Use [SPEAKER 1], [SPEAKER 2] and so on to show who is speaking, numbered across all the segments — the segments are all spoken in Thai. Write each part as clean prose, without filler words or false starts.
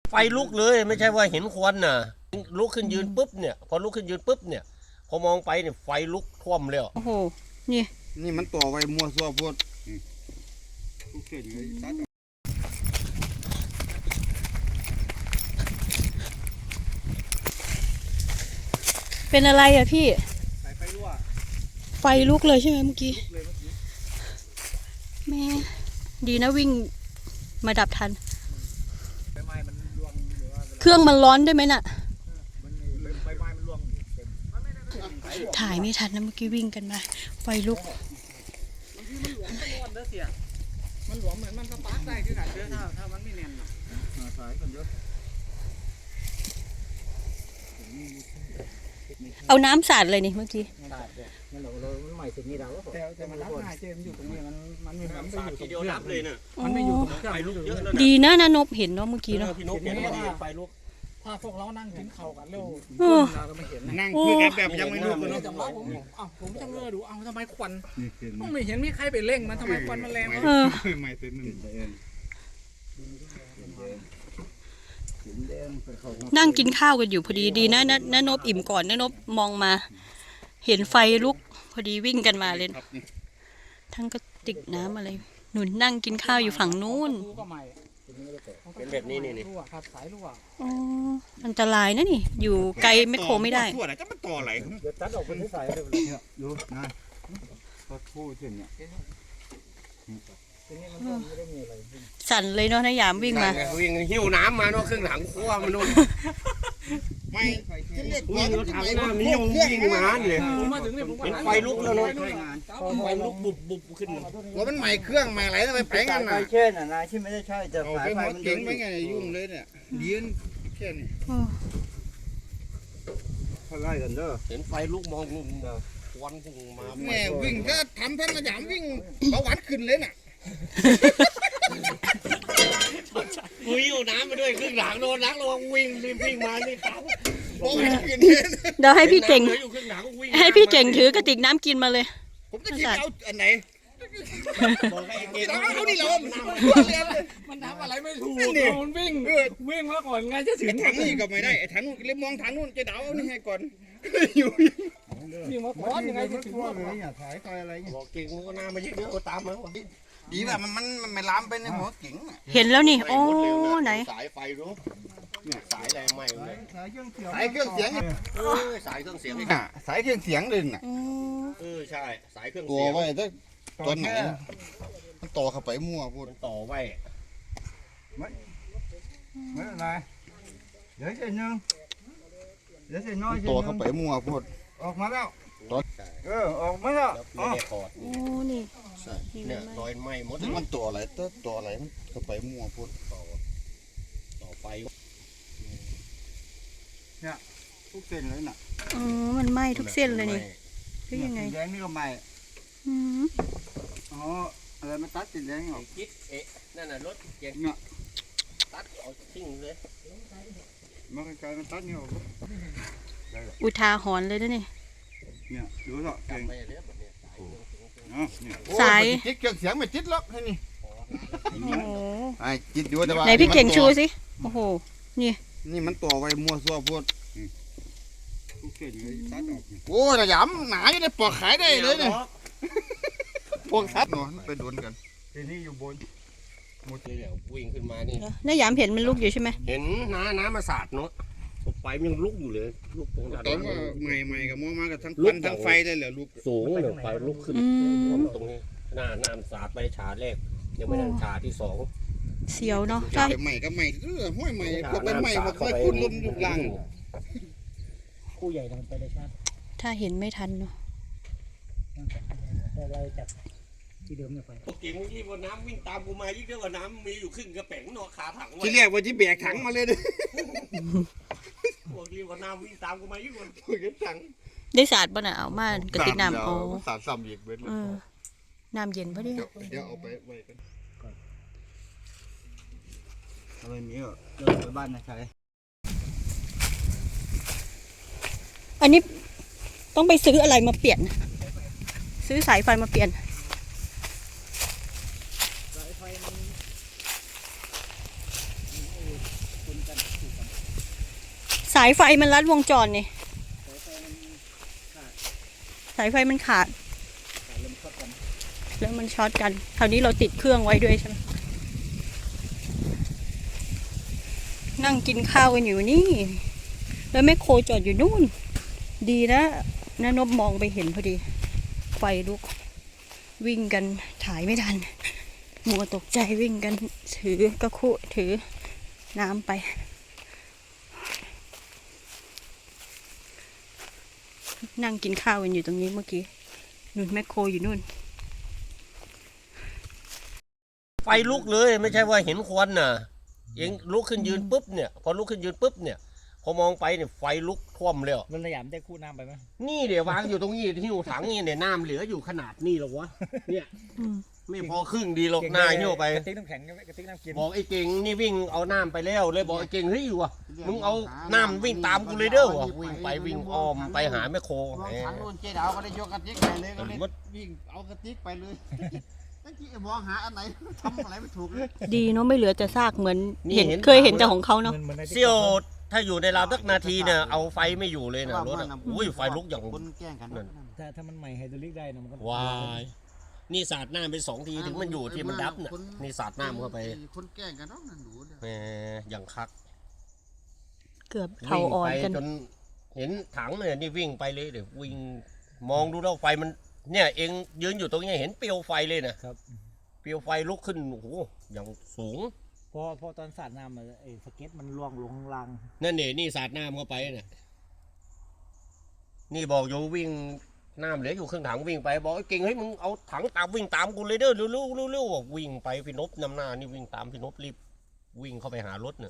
[SPEAKER 1] ไฟลุกเลยไม่ใช่ว่าเห็นควันน่ะลุกขึ้นยืนปุ๊บเนี่ยพอลุกขึ้นยืนปุ๊บเนี่ยพอมองไปเนี่ยไฟลุกท่วมเลย
[SPEAKER 2] โอ้โหนี่
[SPEAKER 3] มันตัวไว้มัวซัวพวดทุกเส้นเลยตัด
[SPEAKER 2] เป็นอะไรอ่ะพี่
[SPEAKER 3] ไฟรั่ว
[SPEAKER 2] ไฟลุกเลยใช่ไหมเมื่อกี้แม่ดีนะวิ่งมาดับทันเครื่องมันร้อนได้ไหมน่ะถ่ายไม่ทันนะเมื่อกี้วิ่งกันมาไฟลุก
[SPEAKER 3] มันหลวมเหมือนมันสปาร์กได้ที่ไหนเยอะถ้ามันไม่แน่นสายกันเยอะ
[SPEAKER 2] เอาน้ำสาดเลยนี่เมื่อกี้
[SPEAKER 3] มันใหม่สุดนี่เราแต่มันรับง่ายเจมอยู่ตรงนี้มันไม่เหมือน
[SPEAKER 1] สาดทีเดียวรับเลยน่ะ
[SPEAKER 3] มันไม่อยู่ตรงเครื่อง
[SPEAKER 1] ไฟลุกเยอะ
[SPEAKER 2] ดีนะนบเห็นเนาะเมื่อกี้เนาะ
[SPEAKER 1] พี่นกเห็นว่าไฟลุก
[SPEAKER 3] ถ้าพวกเรานั่งกินข้าวกันเร็วเราก็ไม่เห็น
[SPEAKER 4] นั่งคุยกันแบบยังไม่รู้กันเนาะ
[SPEAKER 3] ผมจะเงือดูทำไมควันไม่เห็นมีใครไปเร่งมันทำไมควันมันแรง
[SPEAKER 4] ไม่เป็นหนึ่ง
[SPEAKER 2] นั่งกินข้าวกันอยู่พอดีดีนะนบอิ่มก่อนนบมองมาเห็นไฟลุกพอดีวิ่งกันมาเลยทั้งกระติกน้ำอะไรหนุนนั่งกินข้าวอยู่ฝั่งนู้น
[SPEAKER 1] เป็นแบบนี้นี่
[SPEAKER 3] ครับสายรั่ว
[SPEAKER 2] อ๋ออันตรายนะนี่อยู่ไกลไม่โคไม่ได้
[SPEAKER 4] ทั่วไหนจะมันต่อไหล
[SPEAKER 3] เดี๋ยวตัดออกเป็นสายเลย
[SPEAKER 4] ดูนะก็คู่เส้นเนี่ย
[SPEAKER 2] สั่นเลยเนาะนายามวิ่งมา
[SPEAKER 1] วิ่งหิ้วน้ำมาเนาะเครื่องหลังครัวมันนู่น
[SPEAKER 4] ไม่
[SPEAKER 1] วิ่งรถถังหน้ามีวิ่งมาเลยเห็นไฟลุกแล้วเนาะไฟลุกบุบขึ้น
[SPEAKER 4] ว่ามันใหม่เครื่องใหม่อะไรทำไมแปลงกัน
[SPEAKER 3] น่ะเช่นนะที่ไม่ได้ใช่จะ
[SPEAKER 4] สายไฟมันเก่งไม่ไงยุ่งเลยเนี่ยยืนแค่นี้
[SPEAKER 3] เขาไล่กันเด้อ
[SPEAKER 1] เห็นไฟลุกมองควันพุ่งมา
[SPEAKER 4] แม่วิ่งถ้าทำท่านมาหยามวิ่งเบาหวานขึ้นเลยน่ะ
[SPEAKER 1] หิ้วน้ำมาด้วยเครื่องหลังโดนนักลงวิ่งมานี่ครับ
[SPEAKER 2] เดี๋ยวให้พี่เก่งถือกระติกน้ำกินมาเลย
[SPEAKER 4] ผมจะกินเอาอันไหน
[SPEAKER 3] เอาดิเรามันทำอะไรไม่ถูกมันวิ่งมาก่อนไงจะถึง
[SPEAKER 4] ถังนี่ก็ไม่ได้ไอ้ถังนู้นเลยมองถังนู้นจะเดาเอานี่ให้ก่อน
[SPEAKER 3] อยู่วิ่งมาก่อนยังไงจะถึงว่า
[SPEAKER 4] สายไฟอะไร
[SPEAKER 1] บอกเก่งมันก็น่ามาเยอะๆตามมา
[SPEAKER 4] ดีแบบมันไม่ล้ำไปในหัวกิ่ง
[SPEAKER 2] เห็นแล้วนี่โอ้ไหน
[SPEAKER 1] สายไฟรู้เนี่ยสายอะไรไหม้เลย
[SPEAKER 4] สายเครื่องเสียงสายเครื่องเสียง
[SPEAKER 1] สายเครื่องเสียง
[SPEAKER 4] สายเครื่องเสียงเลยน่ะ
[SPEAKER 1] ใช่สายเครื่อง
[SPEAKER 4] ตัวไว้ถ้าตอนไหนมันต่อเข้าไปมั่วพูด
[SPEAKER 1] ต่อไว้
[SPEAKER 3] ไม่อะไรเดี๋ยวเส้นนึงเดี๋ยวเส้นน้อย
[SPEAKER 4] ต่อเข้าไปมั่วพูด
[SPEAKER 3] ออกมาแล้วออกมาแล้ว
[SPEAKER 1] โอ้
[SPEAKER 2] นี่
[SPEAKER 1] เนี่ยรอยไหม้หมด
[SPEAKER 4] มันต่ออะไรต่ออะไรมันเข้าไปมั่วพูด
[SPEAKER 1] ต่อไฟ
[SPEAKER 3] เนี่ยทุกเส้นเลยน่ะ
[SPEAKER 2] มันไหม้ทุกเส้นเลยนี่คือยังไง
[SPEAKER 3] แดงนี่ก็ไหม้อ๋ออะไรมาตัดติดแดงหรอ
[SPEAKER 1] คิดนั่นน่ะรถเก่งเนี่ยตัดเอาทิ้งเลย
[SPEAKER 3] มันกลายเป็นตัดเนี่ย
[SPEAKER 2] อุทาหรณ์เลยนะนี่
[SPEAKER 3] เนี่ยดูสิเก่ง
[SPEAKER 2] สาย
[SPEAKER 4] จิตเครื่องเสียงไม่จิตล็อกให้นี่ไอ้จิตอยู่แต่ว่า
[SPEAKER 2] ไหนพี่เก่งชูสิโอ้โห
[SPEAKER 4] นี่มันต่อไว้มัวซัวพูด
[SPEAKER 3] ทุกเส้นเลยตัดออก
[SPEAKER 4] โอ้ยหยำหนาอยู่ในปอกขายได้เลยเนี่ยพวกทัดเนาะไปโดนกัน
[SPEAKER 3] ทีนี้อยู่บน
[SPEAKER 1] หมดเลยวิ่งขึ้นมานี่
[SPEAKER 2] นายามเห็นมันลุกอยู่ใช่ไหม
[SPEAKER 1] เห็นน้ำมาสาดเนาะไฟมันยังลุกอยู่เลยลุกตรงนั้น
[SPEAKER 4] ตอนว่าใหม่กับมอมากับทั้งควันทั้งไฟได้เหรอลุก
[SPEAKER 1] สูงเลยไฟลุกขึ้นตรงนี้น้ำสาดไปฉาแรกยังไม่ทันฉาที่สอง
[SPEAKER 2] เสียวเนาะ
[SPEAKER 4] ใช่ใหม่กับใหม่ห้อยใหม่พวกเป็นใหม่มาค่อยคุ้นลุ่มยุบลัง
[SPEAKER 3] คู่ใหญ่ทำไปได้ชัด
[SPEAKER 2] ถ้าเห็นไม่ทันเนาะ
[SPEAKER 3] เราจับที่เดิมเนี่ยไป
[SPEAKER 1] กิ่งที่บนน้ำวิ่งตามกูมายิ่งเยอะกว่าน้ำมีอยู่ครึ่งกระแป้งเนาะขาถัง
[SPEAKER 4] ที่เรียกว่าที่แบกถังมาเลยเลย
[SPEAKER 1] พวกที่ว่าน้ำวิ่งตามกูมายิ่งกว่า
[SPEAKER 4] ถัง
[SPEAKER 2] ได้สาดป่ะน่ะเอามากระติกน้ำโอ้
[SPEAKER 4] สาดซ้ำอีกเว้ย
[SPEAKER 2] น้ำเย็นป่ะเนี่ย
[SPEAKER 4] เดี๋ยวเอาไปไว้กัน
[SPEAKER 3] อะไรมีอ่ะเดินไปบ้านนะใช่
[SPEAKER 2] อันนี้ต้องไปซื้ออะไรมาเปลี่ยนซื้อสายไฟมาเปลี่ยนสายไฟมันลัดวงจรนี่สายไฟมันขาดแล้วมันช็อตกันคราวนี้เราติดเครื่องไว้ด้วยใช่ไหมนั่งกินข้าวกันอยู่นี่แล้วแม่โคจอดอยู่นู่นดีนะน้านบมองไปเห็นพอดีไฟลุกวิ่งกันถ่ายไม่ทันมัวตกใจวิ่งกันถือกระคุถือน้ำไปนั่งกินข้าวกันอยู่ตรงนี้เมื่อกี้นู่นแมคโครอยู่นู่น
[SPEAKER 1] ไฟลุกเลยไม่ใช่ว่าเห็นควันน่ะเองลุกขึ้นยืนปุ๊บเนี่ยพอลุกขึ้นยืนปุ๊บเนี่ยพอมองไปเนี่ยไฟลุกท่วมเลยอ่ะ
[SPEAKER 3] มันสยามได้คู่น้ำไปไหม
[SPEAKER 1] นี่เดี๋ยววางอยู่ตรงนี้ที่อยู่ถังนี่เนี่ยน้ำเหลืออยู่ขนาดนี้หรอวะเนี่ยไม่พอครึ่งดีหรอกหน้าเหี่ยวไป
[SPEAKER 3] กระติกน้ำแข็งกระติกน้ำกิน
[SPEAKER 1] บอกไอ้เก่งนี่วิ่งเอาน้ำไปแล้วเลยบอกไอ้เก่งเฮ้ยวะมึงเอาน้ำวิ่งตามกูเลยเด้อวะวิ่งไปวิ่งอ้อมไปหาแม่โค
[SPEAKER 4] ลองถังนู่นเจ๊ดาวก็ได้ยกกระติกไปเลยก็เลยวิ่งเอากระติกไปเลยตั้งที่มองหาอันไหนทำอะไรไม่ถูกเลย
[SPEAKER 2] ดีเนาะไม่เหลือแต่ซากเหมือนเห็นเคยเห็นแต่ของเขาเนาะ
[SPEAKER 1] เซี่ยวถ้าอยู่ในราวสักนาทีเนี่ยเอาไฟไม่อยู่เลยนะรถอะอุ้ยไฟลุกอย่าง
[SPEAKER 4] คนแกล้งกัน
[SPEAKER 3] ถ้ามันใหม่ไฮดรอลิกได้นะมันก็
[SPEAKER 1] วายนี่สาดน้ำไป2 ทีถึงมันอยู่ที่มันดับเนี่ยนี่สาดน้ำเข้าไป
[SPEAKER 4] คนแกล้งกันเนาะนั่นดูเนี่ย
[SPEAKER 1] แหมอย่างคัก
[SPEAKER 2] เกือบเข่าอ่อนกัน
[SPEAKER 1] วิ่งไปจนเห็นถังเนี่ยนี่วิ่งไปเลยเดี๋ยววิ่งมองดูแล้วไฟมันเนี่ยเองยืนอยู่ตรงนี้เห็นเปลวไฟเลยนะครับ เปลวไฟลุกขึ้นโอ้โหอย่างสูง
[SPEAKER 3] พอตอนสาดน้ำไอ้สเก็ตมันล่วงลงข้างล่าง
[SPEAKER 1] นั่นเนี่ยนี่สาดน้ำเข้าไปเนี่ยนี่บอกอยู่วิ่งน้ำเหลืออยู่ครึ่งถังวิ่งไปบอกไอ้เก่งเฮ้ยมึงเอาถังตามวิ่งตามกูเลยเด้อเร็วบอกวิ่งไปพี่นพนำหน้านี่วิ่งตามพี่นพรีบวิ่งเข้าไปหารถเนี่ย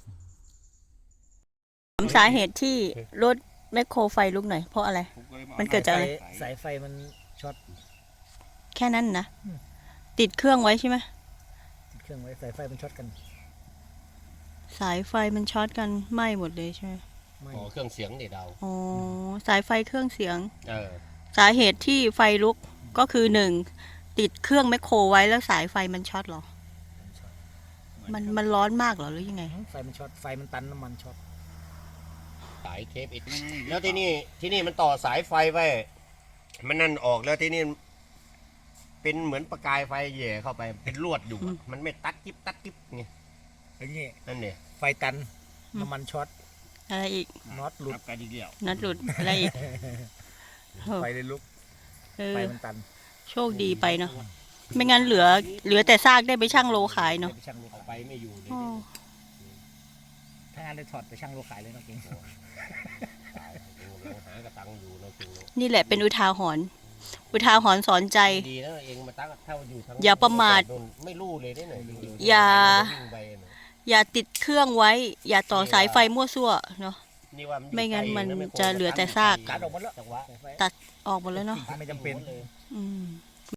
[SPEAKER 2] สาเหตุที่รถแมคโครไฟลุกหน่อยเพราะอะไร มันเกิดจากอะไร
[SPEAKER 3] สายไฟมันช็อต
[SPEAKER 2] แค่นั้นนะติดเครื่องไว้ใช่ไหม
[SPEAKER 3] เครื่องไว้สายไฟมันช็อตกัน
[SPEAKER 2] สายไฟมันช็อตกันไหม้หมดเลยใช่ไหม
[SPEAKER 3] ไม่
[SPEAKER 1] อ๋อเครื่องเสียงเด็ดดาว
[SPEAKER 2] อ๋อสายไฟเครื่องเสียง
[SPEAKER 1] เออ
[SPEAKER 2] สาเหตุที่ไฟลุกก็คือ1ติดเครื่องแมคโครไว้แล้วสายไฟมันช็อตเหรอมันร้อนมากเหรอหรือยังไง
[SPEAKER 3] ไฟมันช็อตไฟมันตันน้ำมันช็อต
[SPEAKER 1] สายเทปอีกแล้วที่นี่มันต่อสายไฟไว้มันนั่นออกแล้วที่นี่เป็นเหมือนประกายไฟแย่เข้าไปเป็นลวดอยู่อะมันไม่ตัดกิ๊บไง
[SPEAKER 3] อย่างงี้
[SPEAKER 1] นั่นเนี่ย
[SPEAKER 3] ไฟตันน้ำมันช็อต
[SPEAKER 2] อะไรอีก
[SPEAKER 3] น็อตหลุด
[SPEAKER 1] กันอีกแล้ว
[SPEAKER 2] นัดหลุดอะไรอีกเออ
[SPEAKER 3] ไฟเลยลุก
[SPEAKER 2] เออ
[SPEAKER 3] ไฟมันตัน
[SPEAKER 2] โชคดีไปเนาะไม่งั้นเหลือแต่ซากได้ไปช่างโลขายเนาะ
[SPEAKER 3] ไปช่างโล
[SPEAKER 1] เอา
[SPEAKER 3] ขาย
[SPEAKER 1] ไปไม่อยู่เลย
[SPEAKER 2] อ๋อ
[SPEAKER 3] ถ้างานได้ถอดไปช่างโลขายเลยนะเก่ง
[SPEAKER 1] ตายเราหากระตังอยู่เราจริง
[SPEAKER 2] นี่แหละเป็นอุทาหรณ์สอนใจ
[SPEAKER 1] ดีนะเองมาตั้งเท่าอยู่ทาง
[SPEAKER 2] อย่าประมาท
[SPEAKER 1] ไม่รู้เลยได้หน่อยจริงๆ
[SPEAKER 2] อย่า
[SPEAKER 1] วิ่งไปน่ะ
[SPEAKER 2] อย่าติดเครื่องไว้ อย่าต่อสายไฟมั่วซั่วเนาะ
[SPEAKER 1] นี่ว่าอยู่
[SPEAKER 2] ไม่งั้น
[SPEAKER 1] ไกล
[SPEAKER 2] มัน
[SPEAKER 1] ไโค
[SPEAKER 2] จะเหลือแต่ซาก
[SPEAKER 3] ตัดออกหมดแล้ว
[SPEAKER 1] จังหวะ
[SPEAKER 3] สายไฟ
[SPEAKER 2] ตัดออกหมดแล้วเนาะ
[SPEAKER 3] ไม่จำเป็น
[SPEAKER 1] เลย
[SPEAKER 2] อืม